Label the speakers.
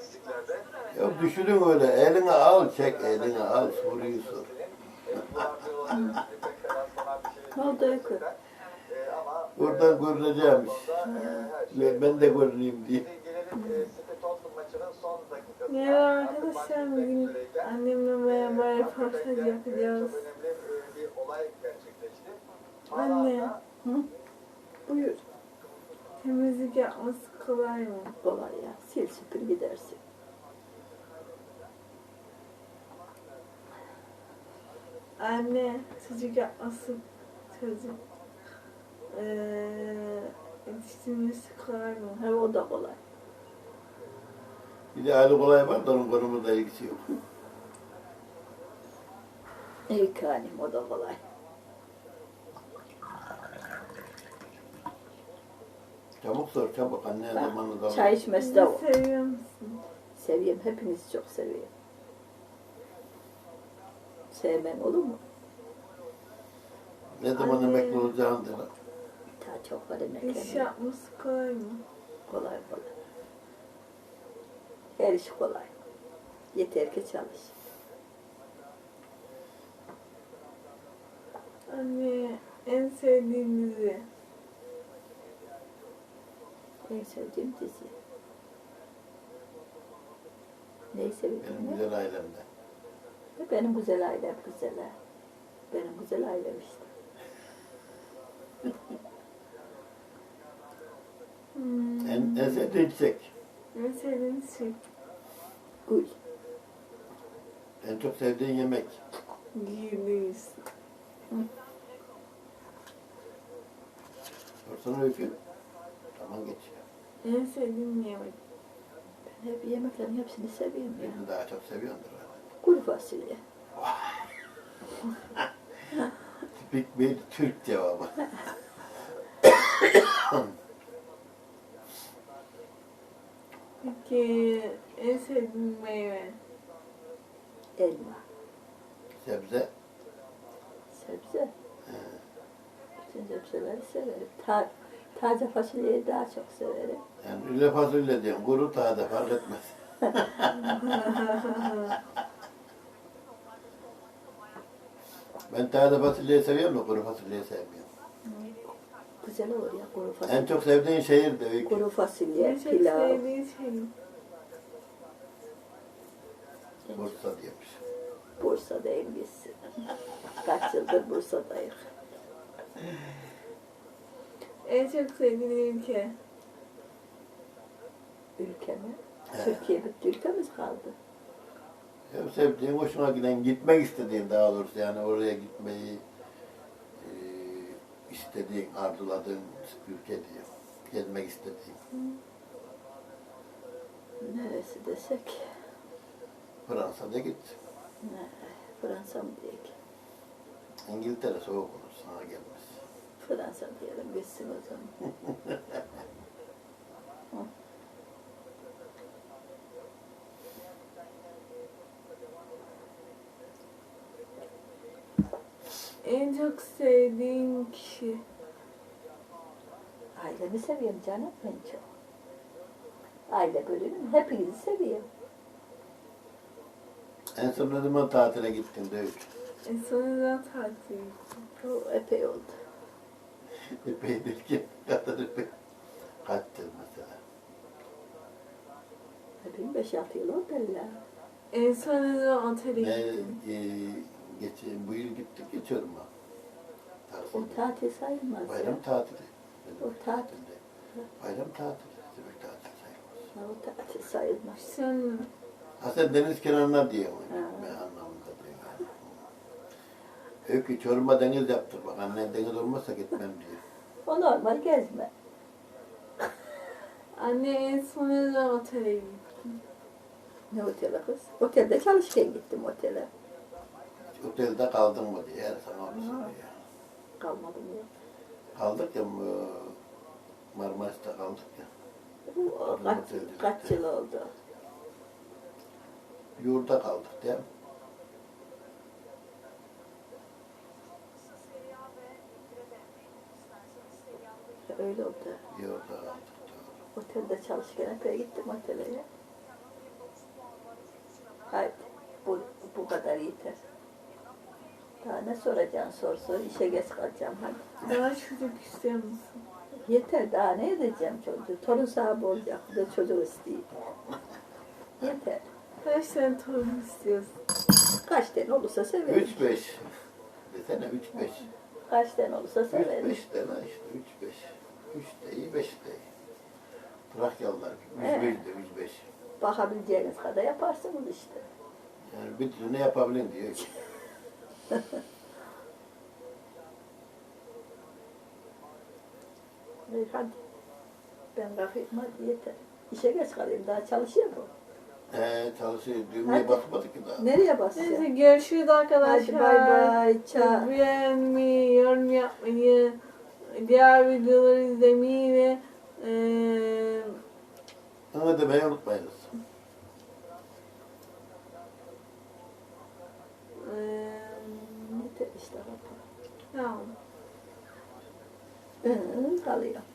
Speaker 1: Ya düşünün öyle, eline al çek, eline al soruyu sor.
Speaker 2: Ne oldu Öykü?
Speaker 1: Buradan görüneceğim iş. Ben de görüneyim diye.
Speaker 3: Merhaba arkadaşlar, bugün annemle beraber röportaj yapacağız. Anne,
Speaker 2: Hı? Buyur.
Speaker 3: temizlik yapması kolay mı?
Speaker 2: Kolay ya. Sil süpür gidersin.
Speaker 3: Anne, çocuk yapması, çocuk yetiştirmesi kolay mı?
Speaker 2: He, o da kolay.
Speaker 1: Bir de Ali Kolay var da onun konumunda ilgisi yok.
Speaker 2: Öykü hanım, o da kolay.
Speaker 1: Çabuk sor, çabuk. Anne zamanı da
Speaker 2: Çay içmesi de o.
Speaker 3: Seviyor musun?
Speaker 2: Seviyorum. Hepinizi çok seviyorum. Sevmem olur mu?
Speaker 1: Ne zaman
Speaker 3: Anne.
Speaker 1: emekli olacağını da.
Speaker 2: Daha çok var
Speaker 3: İş
Speaker 2: emeklerim.
Speaker 3: yapması kolay mı?
Speaker 2: Kolay kolay. Her iş kolay. Yeter ki çalış.
Speaker 3: Anne, en sevdiğin dizi?
Speaker 2: En sevdiğim dizi. Neyi
Speaker 1: Benim
Speaker 2: seviyorum?
Speaker 1: güzel ailemde.
Speaker 2: Benim güzel ailem güzel. Ha. Benim güzel ailem işte.
Speaker 1: En sevdiğin çiçek.
Speaker 3: En sevdiğin şey?
Speaker 2: Gül.
Speaker 1: En çok sevdiğin yemek.
Speaker 3: Güliz.
Speaker 1: Sorsana Öykü. Tamam geçiyor.
Speaker 3: En sevdiğin yemek?
Speaker 2: Ben hep yemeklerin hepsini seviyorum ya.
Speaker 1: Birini daha çok seviyordur.
Speaker 2: Kuru fasulye.
Speaker 1: Tipik bir Türk cevabı.
Speaker 3: Peki, en sevdiğin meyve?
Speaker 2: Elma.
Speaker 1: Sebze.
Speaker 2: Sebze. Bütün sebzeleri severim. Taze fasulyeyi daha çok severim.
Speaker 1: Yani üle fasulye diyorum. Kuru taze fark etmez. Ben taze fasulyeyi seviyorum da kuru fasulyeyi sevmiyorum.
Speaker 2: Güzel olur ya kuru fasulye.
Speaker 1: En çok sevdiğin şehir de Öykü.
Speaker 2: Kuru fasulye,
Speaker 3: En çok
Speaker 2: pilav.
Speaker 3: sevdiğin şey?
Speaker 1: Bursa diyormuş.
Speaker 2: Bursa'dayım biz. Kaç yıldır Bursa'dayız.
Speaker 3: En çok sevdiğin ülke?
Speaker 2: Ülkemi.
Speaker 1: He.
Speaker 2: Türkiye bitti, ülkemiz kaldı.
Speaker 1: Ya sevdiğin, hoşuna giden, gitmek istediğin daha doğrusu yani oraya gitmeyi istediğin, arzuladığın ülke diyor. Gezmek istediğin.
Speaker 2: Neresi desek?
Speaker 1: Fransa'da git.
Speaker 2: Ne, Fransa mı diyek?
Speaker 1: İngiltere soğuk olur, sana gelmez.
Speaker 2: Fransa diyelim, gitsin o zaman.
Speaker 3: En çok sevdiğin kişi?
Speaker 2: Ailemi seviyorum canım en çok. Aile bölümü, hepinizi seviyorum.
Speaker 1: En son ne zaman tatile gittin de Öykü?
Speaker 3: En sonunda tatil.
Speaker 2: O epey oldu.
Speaker 1: Epey derken kadar epey. Kaç yıl mesela?
Speaker 2: Epey 5-6 yıl oldu illa.
Speaker 3: En sonunda otele
Speaker 1: Ne,
Speaker 3: gittim.
Speaker 1: bu yıl gittik, geçiyorum ben.
Speaker 2: O tatil sayılmaz ya.
Speaker 1: Bayram tatili.
Speaker 2: O tatil.
Speaker 1: Bayram tatili. Demek tatil sayılmaz.
Speaker 2: Ha, o tatil sayılmaz.
Speaker 3: Sen
Speaker 1: Ha sen deniz kenarına diyor.
Speaker 2: Ha.
Speaker 1: Ben anlamında diyor. Yani. Öykü Çorum'a deniz yaptır bak. Annen deniz olmazsa gitmem diyor.
Speaker 2: O normal gezme.
Speaker 3: anne en sonunda otele gittim.
Speaker 2: Ne otele kız? Otelde çalışırken gittim otele.
Speaker 1: Otelde kaldın mı diye her sana onu soruyor.
Speaker 2: Kalmadım ya.
Speaker 1: Kaldık ya Marmaris'te kaldık ya.
Speaker 2: O kaç yıl oldu?
Speaker 1: Yurda kaldık değil mi?
Speaker 2: Öyle oldu.
Speaker 1: Yurda kaldık. Doğru.
Speaker 2: Otelde çalışırken epey gittim otele ya. yeter. Daha ne soracaksın sor. İşe geç kalacağım hadi.
Speaker 3: Daha çocuk istiyor musun?
Speaker 2: Yeter daha ne edeceğim çocuğu. Torun sahibi olacak. Bir de çocuk isteyeyim. Yeter.
Speaker 3: Kaç tane torun istiyorsun?
Speaker 2: Kaç tane olursa severim.
Speaker 1: 3-5. Desene 3-5.
Speaker 2: Kaç tane olursa severim.
Speaker 1: 3-5 dene işte 3-5. 3 de iyi 5 de iyi. Trakyalılar gibi. 105
Speaker 2: Evet.
Speaker 1: de 105.
Speaker 2: Bakabileceğiniz kadar yaparsınız işte.
Speaker 1: Yani bir türlü ne yapabilin diyor ki.
Speaker 2: Hadi. Ben kalkayım hadi yeter. İşe geç kalayım daha çalışıyor mu?
Speaker 1: Çalışıyor. Düğmeye
Speaker 2: Hadi.
Speaker 1: basmadık ki daha.
Speaker 2: Nereye
Speaker 3: Neyse
Speaker 2: basacağım?
Speaker 3: görüşürüz arkadaşlar.
Speaker 2: Hadi bay bay. Çağ.
Speaker 3: Beğenmeyi, yorum yapmayı, diğer videoları izlemeyi ve
Speaker 1: Onu demeyi unutmayınız.
Speaker 2: Yeter işte.
Speaker 3: tamam.
Speaker 2: Kalıyor.